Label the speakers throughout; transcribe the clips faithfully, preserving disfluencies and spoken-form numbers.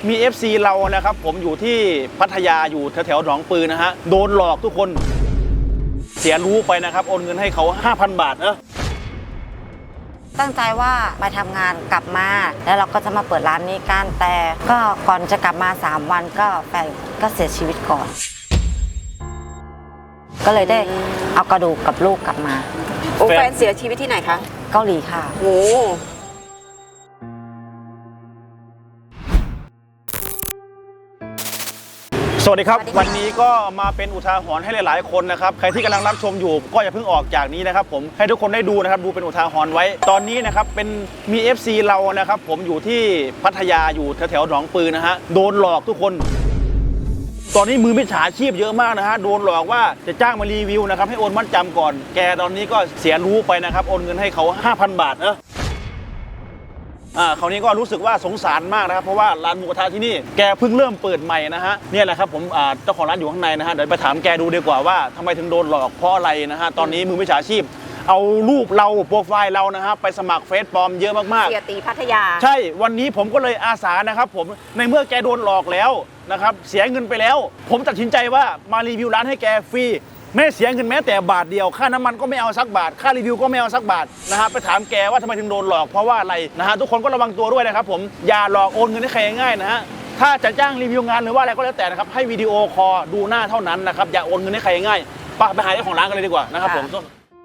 Speaker 1: มี เอฟ ซี เรานะครับผมอยู่ที่พัทยาอยู่แถวๆหนองปือนะฮะโดนหลอกทุกคนเสียรู้ไปนะครับโอนเงินให้เขา ห้าพัน บาทนะ
Speaker 2: ตั้งใจว่ามาทำงานกลับมาแล้วเราก็จะมาเปิดร้านนี้กันแต่ก็ก่อนจะกลับมาสามวันก็แฟนก็เสียชีวิตก่อนก็เลยได้เอากระดูกกับลูกกลับมา
Speaker 3: โอ้แฟนเสียชีวิตที่ไหนคะ
Speaker 2: เกาหลีค่ะ
Speaker 3: โอ้
Speaker 1: สวัสดีครับวันนี้ก็มาเป็นอุทาหรณ์ให้หลายๆคนนะครับใครที่กำลังรับชมอยู่ก็อย่าเพิ่งออกจากนี้นะครับผมให้ทุกคนได้ดูนะครับดูเป็นอุทาหรณ์ไว้ตอนนี้นะครับเป็นมี เอฟ ซี เรานะครับผมอยู่ที่พัทยาอยู่แถวๆหนองปือนะฮะโดนหลอกทุกคนตอนนี้มือมิจฉาชีพเยอะมากนะฮะโดนหลอกว่าจะจ้างมารีวิวนะครับให้โอนมัดจำก่อนแกตอนนี้ก็เสียรู้ไปนะครับโอนเงินให้เขา ห้าพัน บาทนะอ่าคราวนี้ก็รู้สึกว่าสงสารมากนะครับเพราะว่าร้านหมูกระทะที่นี่แกเพิ่งเริ่มเปิดใหม่นะฮะเนี่ยแหละครับผมอ่าเจ้าของร้านอยู่ข้างในนะฮะเดี๋ยวไปถามแกดูดีกว่าว่าทำไมถึงโดนหลอกเพราะอะไรนะฮะตอนนี้มือมิจฉาชีพเอารูปเราโปรไฟล์เรานะฮะไปสมัครเฟซปลอมเยอะมากๆ
Speaker 3: เสียตีพัทยา
Speaker 1: ใช่วันนี้ผมก็เลยอาสานะครับผมในเมื่อแกโดนหลอกแล้วนะครับเสียเงินไปแล้วผมตัดสินใจว่ามารีวิวร้านให้แกฟรีไม่เสียเงินแม้แต่บาทเดียวค่าน้ำมันก็ไม่เอาสักบาทค่ารีวิวก็ไม่เอาสักบาทนะฮะไปถามแกว่าทำไมถึงโดนหลอกเพราะว่าอะไรนะฮะทุกคนก็ระวังตัวด้วยนะครับผมอย่าหลอกโอนเงินให้ใครง่ายๆนะฮะถ้าจะจ้างรีวิวงานหรือว่าอะไรก็แล้วแต่นะครับให้วิดีโอคอลดูหน้าเท่านั้นนะครับอย่าโอนเงินให้ใครง่ายไปไปหาเจ้าของร้านกันเลยดีกว่านะครับผม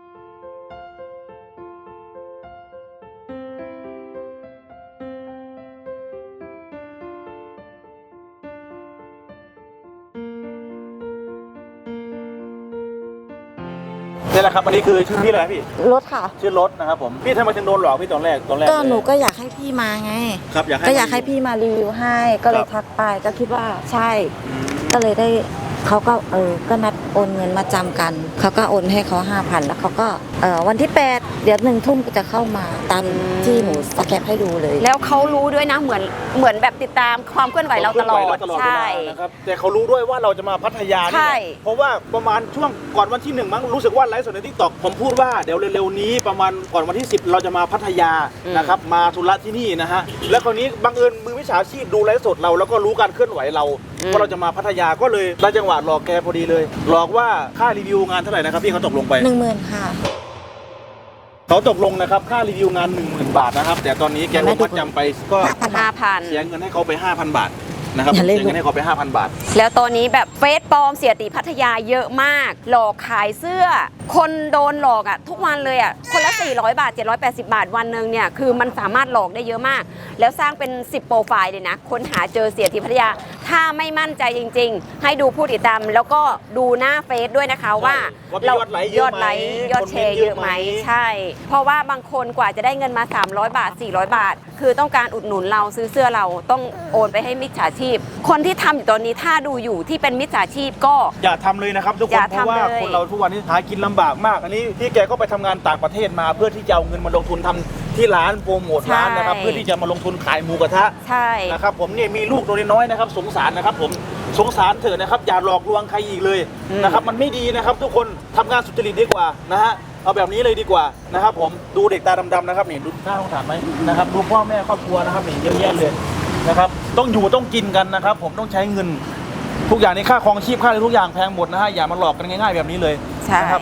Speaker 1: นี่แหละครับอันนี้คือชื่อพี่อะไรพี่
Speaker 2: รถค่ะ
Speaker 1: ชื่อรถนะครับผมพี่ทำไมถึงโดนหลอกพี่ตอนแรกตอนแรก
Speaker 2: ก็หนูก็อยากให้พี่มาไง
Speaker 1: ครับอยากให้
Speaker 2: ก็อยากให้พี่มารีวิวให้ก็เลยทักไปก็คิดว่าใช่ก็เลยได้เขาก็เออก็นัดโอนเงินมาจำกันเขาก็โอนให้เขาห้าพันแล้วเขาก็เออวันที่แปดเดี๋ยวหนึ่งทุ่มจะเข้ามาตามที่หนูสแกปให้ดูเลย
Speaker 3: แล้วเขารู้ด้วยนะเหมือนเหมือนแบบติดตามความเคลื่อนไหวเราตลอดใช่
Speaker 1: นะครับแต่เขารู้ด้วยว่าเราจะมาพัทยาเนี่ยเพราะว่าประมาณช่วงก่อนวันที่หนึ่งมั้งรู้สึกว่าไลฟ์สดในทิกตอกผมพูดว่าเดี๋ยวเร็วๆนี้ประมาณก่อนวันที่สิบเราจะมาพัทยานะครับมาธุระที่นี่นะฮะแล้วคราวนี้บังเอิญมือวิชาชีพดูไลฟ์สดเราแล้วก็รู้การเคลื่อนไหวเราว่าเราจะมาพัทยาก็เลยได้จังหวะหลอกแกพอดีเลยหลอกว่าค่ารีวิวงานเท่าไหร่นะครับพี่เขาตกลงไป
Speaker 2: หนึ่งหมื่นค่ะ
Speaker 1: เขาตกลงนะครับค่ารีวิวงาน หนึ่งหมื่น บาทนะครับแต่ตอนนี้แกโอนมัดจำไปก็
Speaker 3: ห้าพัน
Speaker 1: เสียเงินให้เขาไป ห้าพัน บาทนะครับเสียเงินให้เขาไป ห้าพัน บาท
Speaker 3: แล้วตอนนี้แบบเฟซปลอมเสียตีพัทยาเยอะมากหลอกขายเสื้อคนโดนหลอกอ่ะทุกวันเลยอ่ะคนละสี่ร้อยบาทเจ็ดร้อยแปดสิบบาทวันนึงเนี่ยคือมันสามารถหลอกได้เยอะมากแล้วสร้างเป็นสิบโปรไฟล์เลยนะค้นหาเจอเสียตีพัทยาถ้าไม่มั่นใจจริงๆให้ดูผู้ติดตามแล้วก็ดูหน้าเฟซด้วยนะคะว่า
Speaker 1: เรายอดไลค์
Speaker 3: ยอดไลค์ยอดแชร์เยอะไหมใช่เพราะว่าบางคนกว่าจะได้เงินมาสามร้อยบาทสี่ร้อยบาทคือต้องการอุดหนุนเราซื้อเสื้อเราต้องโอนไปให้มิจฉาชีพคนที่ทำอยู่ตอนนี้ถ้าดูอยู่ที่เป็นมิจฉาชีพก็
Speaker 1: อย่าทำเลยนะครับทุกคนเพราะว่าคนเราทุกวันนี้หากินลำบากมากอันนี้พี่แกก็ไปทำงานต่างประเทศมาเพื่อที่จะเอาเงินมาลงทุนทำที่ร้านโปรโมทร้านนะครับเพื่อที่จะมาลงทุนขายหมูกระทะ
Speaker 3: ใช่
Speaker 1: นะครับผมเนี่ยมีลูกตัวน้อยนะครับสงสารนะครับผมสงสารเถอะนะครับอย่าหลอกลวงใครอีกเลยนะครับมันไม่ดีนะครับทุกคนทำงานสุจริตดีกว่านะฮะเอาแบบนี้เลยดีกว่านะครับผมดูเด็กตาดำๆนะครับนี่ดูหน้าสงสารไหมนะครับดูพ่อแม่ครอบครัวนะครับนี่เยอะแยะเลยนะครับต้องอยู่ต้องกินกันนะครับผมต้องใช้เงินทุกอย่างในค่าครองชีพค่าอะไรทุกอย่างแพงหมดนะฮะอย่ามาหลอกกันง่ายๆแบบนี้เลยนะครับ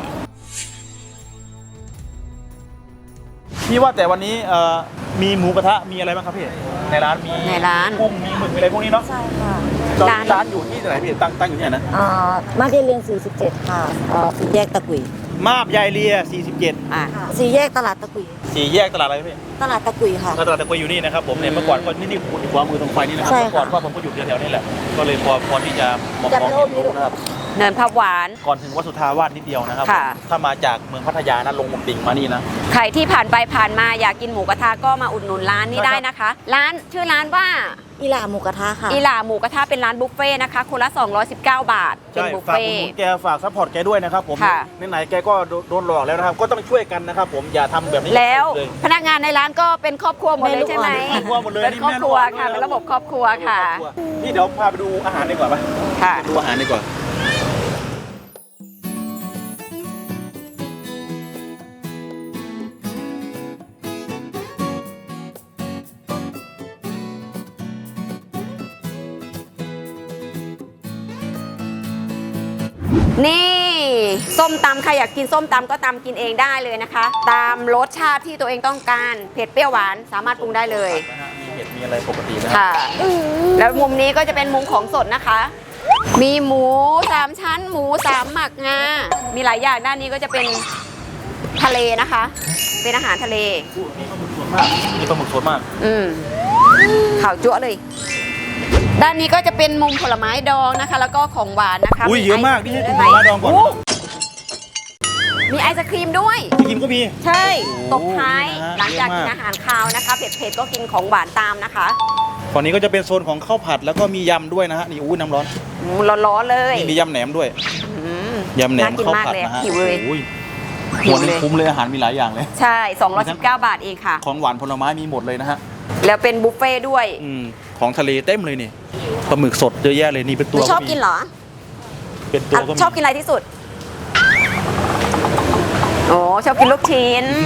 Speaker 1: พี่ว่าแต่วันนี้มีหมูกระทะมีอะไรบ้างครับพี่ในร้านมี
Speaker 3: ในร้าน
Speaker 1: กุ้งมีหมึกมีอะไรพวกนี้เนาะ
Speaker 2: ใช่ค่ะ
Speaker 1: ร้านร้านอยู่ที่ไหนพี่ตั้งตั้งอยู่ที่ไหนนะ
Speaker 2: อ่ามาบยายเรียนสี่สิบเจ็ดค่ะอ่าสี่แยกตะกุย
Speaker 1: มาบยายเรียสี่สิบเจ็ด
Speaker 2: อ่าสี่แยกตลาดตะกุย
Speaker 1: สี่แยกตลาดอะไรพี่
Speaker 2: ตลาดตะกุยค่ะ
Speaker 1: ตลาดตะกุยอยู่นี่นะครับผมเนี่ยเมื่อก่อนก็นี่นี่ขวามือตรงไฟนี่นะครับเมื่อก่อนพ่อผมก็อยู่แถวๆนี่แหละก็เลยพอพอที่จะมองมองเห็นนะครับ
Speaker 3: เนินพับหวาน
Speaker 1: ก่อนถึงวัดสุทธาวาสนิดเดียวนะครับถ้ามาจากเมืองพัทยานะลงมุมดิ่งมานี่นะ
Speaker 3: ใครที่ผ่านไปผ่านมาอยากกินหมูกระทะก็มาอุดหนุนร้านนี้ได้นะคะร้านชื่อร้านว่า
Speaker 2: อีหล่าหมูกระทะค่ะ
Speaker 3: อีหล่าหมูกระทะเป็นร้านบุฟเฟ่นะคะคนละสองร้อยสิบเก้าบาทเป็นบุฟเฟ่
Speaker 1: ฝากแกฝากซัพพอร์ตแกด้วยนะครับผมไหนๆแกก็โดนหลอกแล้วนะครับก็ต้องช่วยกันนะครับผมอย่าทำแบบนี้
Speaker 3: แล้วพนักงานในร้านก็เป็นครอบครัวหมดเลยใช่ไหม
Speaker 1: ครอบครัวหมดเลย
Speaker 3: เป็นครอบครัวค่ะเป็นระบบครอบครัวค่ะ
Speaker 1: พี่เดี๋ยวพาไปดูอาหารดีกว่าป่ะ
Speaker 3: ค่ะ
Speaker 1: ดูอาหารดีกว่า
Speaker 3: นี่ส้มตำใครอยากกินส้มตำก็ตำกินเองได้เลยนะคะ ตามรสชาติที่ตัวเองต้องการเผ็ดเปรี้ยวหวานสามารถปรุงได้เลย
Speaker 1: นะฮะมีเห็ดมีอะไรปกตินะ
Speaker 3: ค่ะ แล้วมุมนี้ก็จะเป็นมุมของสดนะคะ มีหมูสามชั้น หมูสามหมักงา มีหลายอย่างด้านนี้ก็จะเป็นทะเลนะคะ เป็นอาหารทะเล
Speaker 1: นี่ปลาหมึกสดมากนี่ปลาหมึกสดมาก
Speaker 3: อืมข่าวจั๊วเลย ด้านนี้ก็จะเป็นมุมผลไม้ดองนะคะ แล้วก็ของหวานนะคะ
Speaker 1: อุ้ยเยอะมากนี่ให้
Speaker 3: ไอ
Speaker 1: ดู
Speaker 3: ศ
Speaker 1: ผ
Speaker 3: กรี
Speaker 1: ลไม้ดองก่อน
Speaker 3: โมีไอศครีมด้วย
Speaker 1: ที่กินก็มี
Speaker 3: ใช่
Speaker 1: โอ้
Speaker 3: ตบท้าย
Speaker 1: นี่นะฮะ
Speaker 3: หลังจาก
Speaker 1: เย
Speaker 3: กิ
Speaker 1: อะ
Speaker 3: น
Speaker 1: มาก
Speaker 3: อาหารคาวนะคะ เผ็ดๆก็กินของหวานตามนะคะ
Speaker 1: ฝั่งนี้ก็จะเป็นโซนของข้าวผัดแล้วก็มียำด้วยนะฮะนี่อุ้ยน้ำร้อน
Speaker 3: อืมร้อนๆเลย
Speaker 1: นี่มียำแหนมด้วย
Speaker 3: อืม
Speaker 1: ยำแหนม
Speaker 3: น่ากิน
Speaker 1: ข้าว
Speaker 3: มาก
Speaker 1: ผัด
Speaker 3: เลย
Speaker 1: นะฮะ
Speaker 3: หิวเลย
Speaker 1: โอ้ย
Speaker 3: หิ
Speaker 1: หั
Speaker 3: ว
Speaker 1: วหนึ
Speaker 3: เล
Speaker 1: ง
Speaker 3: ย
Speaker 1: คุ้มเลยอาหารมีหลายอย่างเลย
Speaker 3: ใช่ สองร้อยสิบเก้า บาทเองค่ะ
Speaker 1: ของหวานผลไม้มีหมดเลยนะฮะ
Speaker 3: แล้วเป็นบุฟเฟ่ด้วย
Speaker 1: อืมของทะเลเต็มเลยนี่ปลาหมึกสดเยอะแยะเลยนี่เป็น
Speaker 3: ห
Speaker 1: ตั
Speaker 3: นู
Speaker 1: ว
Speaker 3: ชอบ
Speaker 1: มี
Speaker 3: กินเหรอ
Speaker 1: เป็นตัว
Speaker 3: อ่ะ
Speaker 1: ก็มี
Speaker 3: ชอบกินอะไรที่สุด โอ้ชอบกินลูกชิ้น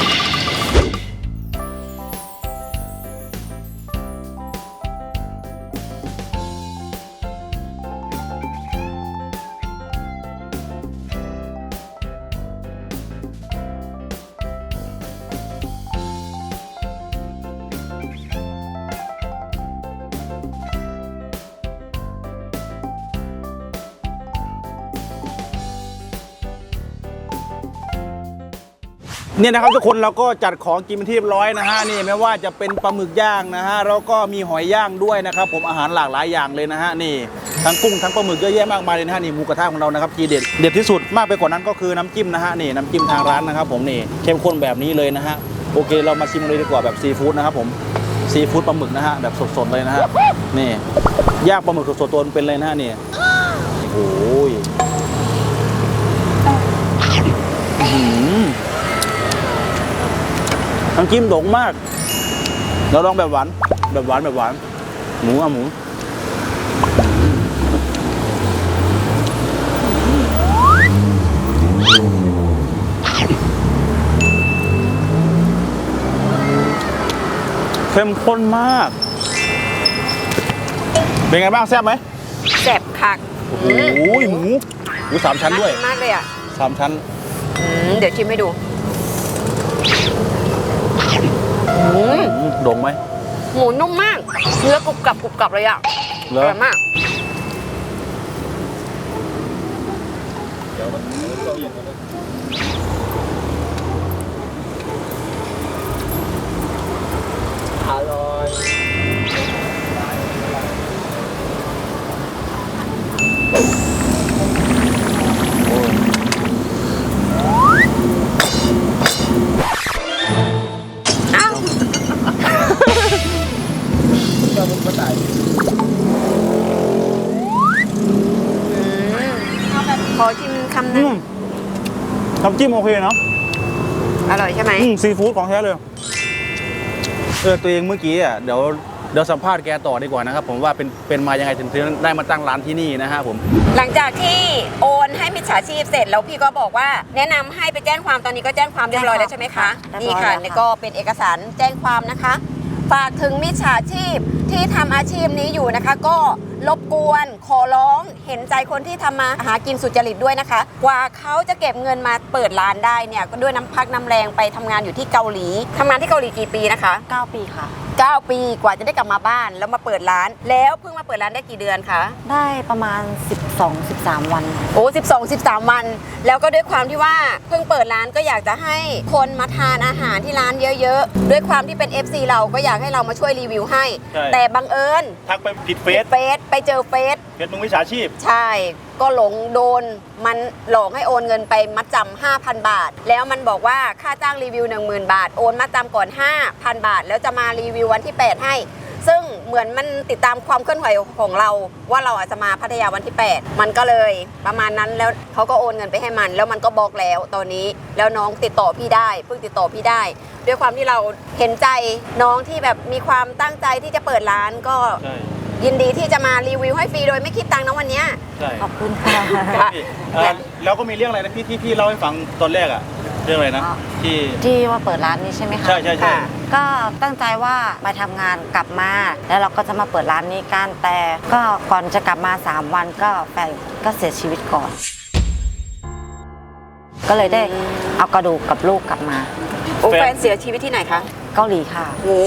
Speaker 1: เนี่ยนะครับทุกคนเราก็จัดของกินเป็นที่เรียบร้อยนะฮะนี่ไม่ว่าจะเป็นปลาหมึกย่างนะฮะแล้วก็มีหอยย่างด้วยนะครับผมอาหารหลากหลายอย่างเลยนะฮะนี่ทั้งกุ้งทั้งปลาหมึกเยอะแยะมากมายเลยนะฮะนี่หมูกระทะของเรานะครับทีเด็ดเด็ดที่สุดมากไปกว่านั้นก็คือน้ำจิ้มนะฮะนี่น้ำจิ้มทางร้านนะครับผมนี่เข้มข้นแบบนี้เลยนะฮะโอเคเรามาชิมเลยดีกว่าแบบซีฟู้ดนะครับผมซีฟู้ดปลาหมึกนะฮะแบบสดๆเลยนะฮะนี่ย่างปลาหมึกสดๆตัวเป็นเลยนะฮะนี่โอ้ยอื้อหือน้ำจิ้มโด่งมากเราลองแบบหวานแบบหวานแบบหวานหมูอะหมูเข้มข้นมาก เป็นไงบ้างแซ่บไหม
Speaker 3: แซ่บคัก
Speaker 1: โอ้โหหมูหมูสามชั้นด้วย
Speaker 3: ากินมากเลยอ่ะ
Speaker 1: สามชั้น
Speaker 3: อืมเดี๋ยวชิมให้ดูอืม
Speaker 1: อืมโด่งไหม
Speaker 3: หมูนุ่มมาก เนื้อกรุบกรับกรุบกรับเลยอ่ะ
Speaker 1: เหร
Speaker 3: อ
Speaker 1: อ
Speaker 3: ร่อยมาก
Speaker 1: อร่อย
Speaker 3: อ้าว ขอชิมคำหนึ
Speaker 1: อื
Speaker 3: ง
Speaker 1: มน้ำจิ้มโอเคเนาะ
Speaker 3: อร่อยใช่ไหม
Speaker 1: อืมซีฟู้ดของแท้เลยเออตัวเองเมื่อกี้อ่ะเดี๋ยวเดี๋ยวสัมภาษณ์แกต่อดีกว่านะครับผมว่าเป็นเป็นมายังไงถึงได้มาตั้งร้านที่นี่นะฮะผม
Speaker 3: หลังจากที่โอนให้มิจฉาชีพเสร็จแล้วพี่ก็บอกว่าแนะนำให้ไปแจ้งความตอนนี้ก็แจ้งความเรียบร้อยแล้วใช่ไหมคะ
Speaker 2: เรียบร้อย
Speaker 3: นี่ค่ะ
Speaker 2: แล้วค่ะ
Speaker 3: นี่ก็เป็นเอกสารแจ้งความนะคะ ฝากถึงมิจฉาชีพที่ทำอาชีพนี้อยู่นะคะ ก็รบกวนขอร้องเห็นใจคนที่ทำมาหากินสุจริตด้วยนะคะ กว่าเขาจะเก็บเงินมาเปิดร้านได้เนี่ยก็ด้วยน้ำพักน้ำแรงไปทำงานอยู่ที่เกาหลีทำงานที่เกาหลีกี่ปีนะคะ
Speaker 2: เก้าปีค่ะ
Speaker 3: เก้าปีกว่าจะได้กลับมาบ้านแล้วมาเปิดร้าน แล้วเพิ่งมาเปิดร้านได้กี่เดือนคะ
Speaker 2: ได้ประมาณ สิบสอง สิบสาม วัน
Speaker 3: โอ้สิบสอง สิบสาม วัน แล้วก็ด้วยความที่ว่าเพิ่งเปิดร้านก็อยากจะให้คนมาทานอาหารที่ร้านเยอะๆ ด้วยความที่เป็น เอฟ ซี เราก็อยากให้เรามาช่วยรีวิวให้
Speaker 1: ใช่
Speaker 3: แต่บังเอิญ
Speaker 1: ทักไปผิดเฟซ
Speaker 3: เฟซไปเจอเฟซ
Speaker 1: เฟซมึงวิชาชีพ
Speaker 3: ใช่ ก็หลงโดนมันหลอกให้โอนเงินไปมัดจำห้าพัน บาท แล้วมันบอกว่าค่าจ้างรีวิว หนึ่งหมื่น บาท โอนมัดจำก่อน ห้าพัน บาท แล้วจะมารีวิววันที่ แปด ให้ ซึ่งเหมือนมันติดตามความเคลื่อนไหวของเราว่าเราอาจจะมาพัทยาวันที่ แปด มันก็เลยประมาณนั้นแล้วเขาก็โอนเงินไปให้มัน แล้วมันก็บล็อกแล้วตอนนี้แล้วน้องติดต่อพี่ได้เพิ่งติดต่อพี่ได้ ด้วยความที่เราเห็นใจน้องที่แบบมีความตั้งใจที่จะเปิดร้านก็
Speaker 1: ใช่
Speaker 3: ยินดีที่จะมารีวิวให้ฟรีโดยไม่คิดตังค์นะวันเนี้ย
Speaker 1: ใช่
Speaker 2: ขอบคุณค่ะ
Speaker 3: ค่ะ
Speaker 1: พี่เอ่อแล้วก็มีเรื่องอะไรนะพี่ที่พี่เล่าให้ฟังตอนแรกอะเรื่องอะไรนะ
Speaker 2: อ๋อ
Speaker 1: ที่
Speaker 2: ที่ว่าเปิดร้านนี้ใช่ไหมคะ
Speaker 1: ใช่ใช่ใช่
Speaker 3: ค่ะ
Speaker 2: ก็ตั้งใจว่ามาทำงานกลับมา แล้วเราก็จะมาเปิดร้านนี้กันแต่ก็ก่อนจะกลับมา สาม วันก็แฟนก็เสียชีวิตก่อนก็เลยได้เอากระดูกกับลูกกลับมา
Speaker 3: โอ้แฟนเสียชีวิตที่ไหนคะ
Speaker 2: เกาหลีค่ะ
Speaker 3: โอ้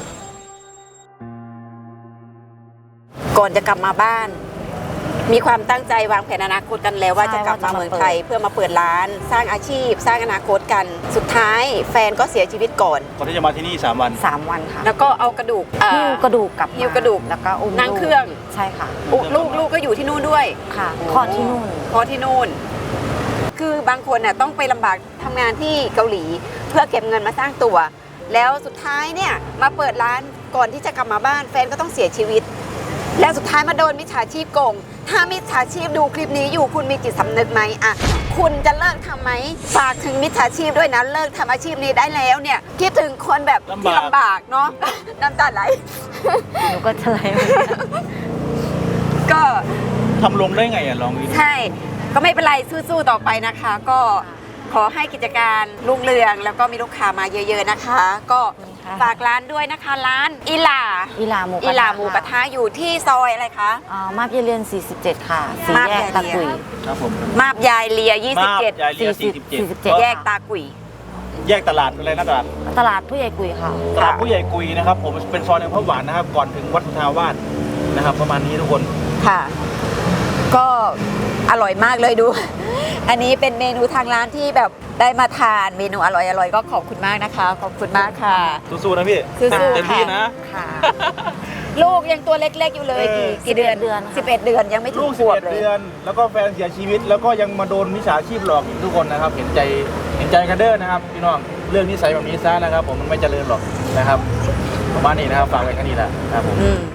Speaker 3: ก่อนจะกลับมาบ้าน มีความตั้งใจวางแผนอนาคตกันแล้วว่า
Speaker 2: ใช่
Speaker 3: จะกลับมา
Speaker 2: ว่าจะมา
Speaker 3: เมืองไทยเพื่อมาเปิดร้าน สร้างอาชีพ สร้างอนาคตกัน สุดท้ายแฟนก็เสียชีวิตก่อน
Speaker 1: ก่อนที่จะมาที่นี่สามวัน
Speaker 2: สามวันค่ะ
Speaker 3: แล้วก็เอากระดูกอ่า
Speaker 2: หิ้วกระดูกกลับมา
Speaker 3: หิ้วกระดูก
Speaker 2: แล้วก็อุ้ม
Speaker 3: นั่ง
Speaker 2: ลูก
Speaker 3: เครื่อง
Speaker 2: ใช่ค่ะ
Speaker 3: อุลูกลูกก็อยู่ที่นู่นด้วย
Speaker 2: ค่ะคลอดที่นู่น
Speaker 3: เพราะที่นู่น คือบางคนน่ะต้องไปลำบากทำงานที่เกาหลี เพื่อเก็บเงินมาสร้างตัว แล้วสุดท้ายเนี่ยมาเปิดร้านก่อนที่จะกลับมาบ้านแฟนก็ต้องเสียชีวิต แล้วสุดท้ายมาโดนมิจฉาชีพโกง ถ้ามิจฉาชีพดูคลิปนี้อยู่คุณมีจิตสำนึกไหมอ่ะคุณจะเลิกทำไหมฝากถึงมิจฉาชีพด้วยนะเลิกทำอาชีพนี้ได้แล้วเนี่ยคิดถึงคนแบบที่
Speaker 1: ลำบาก
Speaker 3: ลำบากเนาะ น้ำตาไหล
Speaker 2: หนูก็จะไหลเหมือนกัน
Speaker 3: ก็
Speaker 1: ทำลงได้ไงอ่ะลองดู
Speaker 3: ใช่ ก็ไม่เป็นไรสู้ๆต่อไปนะคะ ก็ขอให้กิจการรุ่งเรือง แล้วก็มีลูกค้ามาเยอะๆนะคะ ก็
Speaker 2: ค่ะ
Speaker 3: ฝากร้านด้วยนะคะ ร้านอิหลา
Speaker 2: อีหลาหมูกระทะ
Speaker 3: อิหลาหมูกระทะอยู่ที่ซอยอะไรคะ
Speaker 2: อ่ามาบเยเรียนสี่สิบเจ็ดค่ะสี่
Speaker 3: มาบ
Speaker 2: แยก
Speaker 3: เย
Speaker 2: ตะ
Speaker 3: เรียน
Speaker 2: กุย
Speaker 1: ครับผม
Speaker 3: มาบยายเลีย
Speaker 1: มาบ
Speaker 3: ยี่สิบเจ็ด
Speaker 1: ยายเลีย
Speaker 2: สี่
Speaker 1: สี่
Speaker 2: สิ
Speaker 1: สิ
Speaker 2: บบ
Speaker 1: เจ็ด
Speaker 3: แยกตากุย
Speaker 1: แยกตลาดอะไรนะตลาด
Speaker 2: ตลาดผู้ใหญ่กุยค่ะ
Speaker 1: ตลาดผู้ใหญ่กุยนะครับผมเป็นซอยในพระหวานนะครับก่อนถึงวัดสุทธาวาสนะครับประมาณนี้ทุกคน
Speaker 3: ค่ะ ก็อร่อยมากเลยดู อันนี้เป็นเมนูทางร้านที่แบบได้มาทานเมนูอร่อยๆก็ขอบคุณมากนะคะ ขอบคุณมากค่ะ
Speaker 1: สู้ๆนะพี่
Speaker 3: สู้ๆ
Speaker 1: เต็มที่
Speaker 3: ค่ะ
Speaker 1: นะ
Speaker 2: ค่ะ
Speaker 3: ลูกยังตัวเล็กๆอยู่เลย
Speaker 1: เอ
Speaker 3: กี่
Speaker 1: อ
Speaker 3: กี่เดือน
Speaker 2: สิบเอ็ดเดือนค่ะ
Speaker 3: สิบเอ็ดเดือนยังไม่ถึ
Speaker 1: ลู
Speaker 3: ง
Speaker 1: ก
Speaker 3: ข
Speaker 1: สิบ
Speaker 3: วบ
Speaker 1: เอ็ด
Speaker 3: เลย
Speaker 1: เดือน แล้วก็แฟนเสียชีวิต แล้วก็ยังมาโดนมิจฉาชีพหลอกอีกทุกคนนะครับ เห็นใจเห็นใจกันเด้อนะครับพี่น้องเรื่องนิสัยแบบนี้ซะนะครับ ผมมันไม่เจริญหรอกนะครับประมาณนี้นะครับฝากไว้แค่นี้แหละนะครับผม
Speaker 3: อืม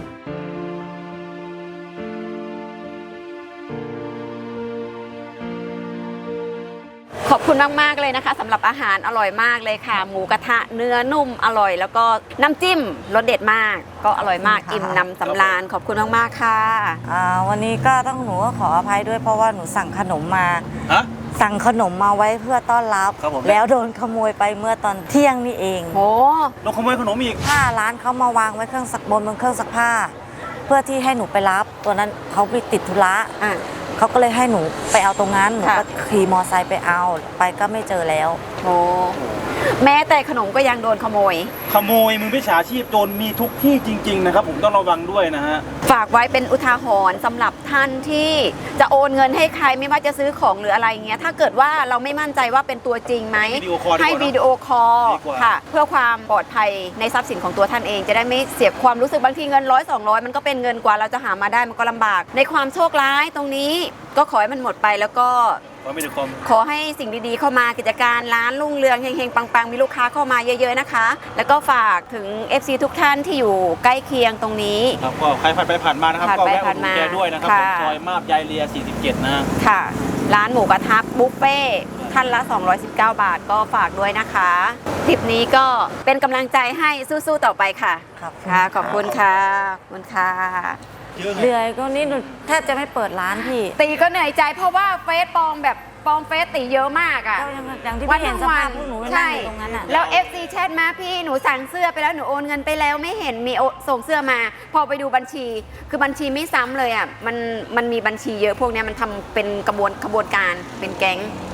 Speaker 3: ขอบคุณมาก ๆ เลยนะคะสำหรับอาหารอร่อยมากเลยค่ะ หมูกระทะเนื้อนุ่มอร่อย แล้วก็น้ำจิ้มรสเด็ดมาก ก็อร่อยมาก
Speaker 2: ค่ะ
Speaker 3: อิ่มนำสำราญขอบคุณมาก ๆ ค่ะ
Speaker 2: อ่าวันนี้ก็ต้องหนูก็ขออภัยด้วยเพราะว่าหนูสั่งขนมมา
Speaker 1: ฮะ
Speaker 2: สั่งขนมมาไว้เพื่อต้อนรับ
Speaker 1: ครับผม
Speaker 2: แล้วโดนขโมยไปเมื่อตอนเที่ยงนี่เอง
Speaker 3: โอ้
Speaker 1: เราขโมยขนมอีก
Speaker 2: ผ้าร้านเขามาวางไว้เครื่องซักบนบนเครื่องซักผ้า เพื่อที่ให้หนูไปรับ ตัวนั้นเขาไปติดธุระ
Speaker 3: อ่ะ
Speaker 2: เขาก็เลยให้หนูไปเอาตรงนั้นหนู
Speaker 3: ค่ะ
Speaker 2: ก็ขี่มอไซค์ไปเอาไปก็ไม่เจอแล้ว
Speaker 3: โอ้แม้แต่ขนมก็ยังโดนขโมย
Speaker 1: ขโมยมือมิจฉาชีพโจรมีทุกที่จริง ๆ นะครับ ผมต้องระวังด้วยนะฮะ
Speaker 3: ฝากไว้เป็นอุทาหรณ์สำหรับท่านที่จะโอนเงินให้ใครไม่ว่าจะซื้อของหรืออะไรเงี้ยถ้าเกิดว่าเราไม่มั่นใจว่าเป็นตัวจริงไหม
Speaker 1: วิดีโอคอลดีกว่า
Speaker 3: ให้วิดีโอคอล
Speaker 1: ดีกว่า
Speaker 3: ค่ะ เพื่อความปลอดภัยในทรัพย์สินของตัวท่านเอง จะได้ไม่เสียความรู้สึกบางทีเงินร้อยสองร้อยมันก็เป็นเงินกว่าเราจะหามาได้มันก็ลำบาก ในความโชคร้ายตรงนี้ก็ขอให้มันหมดไปแล้วก็
Speaker 1: ขอไม่ถึงคอม
Speaker 3: ขอให้สิ่งดีๆเข้ามากิจการร้านรุ่งเรืองเฮงๆปังๆมีลูกค้าเข้ามาเยอะๆนะคะ แล้วก็ฝากถึง เอฟ ซี ทุกท่านที่อยู่ใกล้เคียงตรงนี้
Speaker 1: ครับก็ใครผ่านไปผ่านมานะครับ
Speaker 3: ผ่าน
Speaker 1: ก็
Speaker 3: ไป
Speaker 1: แวะอุ
Speaker 3: ผ่า
Speaker 1: ด
Speaker 3: น
Speaker 1: หนุน
Speaker 3: มา
Speaker 1: แกด้วยนะครับ
Speaker 3: ค่ะ
Speaker 1: ผมซอยมาบยายเลียสี่สิบเจ็ดนะฮะ
Speaker 3: ค่ะ ร้านหมูกระทะบุฟเฟ่ต์ท่านละ สองร้อยสิบเก้า บาทก็ฝากด้วยนะคะทริปนี้ก็เป็นกำลังใจให้สู้ๆต่อไปค่ะ
Speaker 2: ครับ
Speaker 3: ค่ะ ขอบคุณค่ะขอบคุณค่ะ
Speaker 1: เยอะไง
Speaker 2: เหนื่อยก็นี่หนูแทบจะไม่เปิดร้านพี่
Speaker 3: ตีก็เหนื่อยใจเพราะว่าเฟซปลอมแบบปลอมเฟซตีเยอะมากอ่ะ
Speaker 2: ก็ยังอย่างที่พี่เห็นสภาพพวกหนูนั่ง
Speaker 3: ใช่
Speaker 2: อยู่ตรงนั้นอ่ะ
Speaker 3: แล้ว เอฟ ซี แชทมาพี่หนูสั่งเสื้อไปแล้วหนูโอนเงินไปแล้วไม่เห็นมีโอส่งเสื้อมา พอไปดูบัญชี คือบัญชีไม่ซ้ำเลยอ่ะมันมันมีบัญชีเยอะพวกเนี้ยมันทำเป็นกระบวนขบวนการเป็นแก๊ง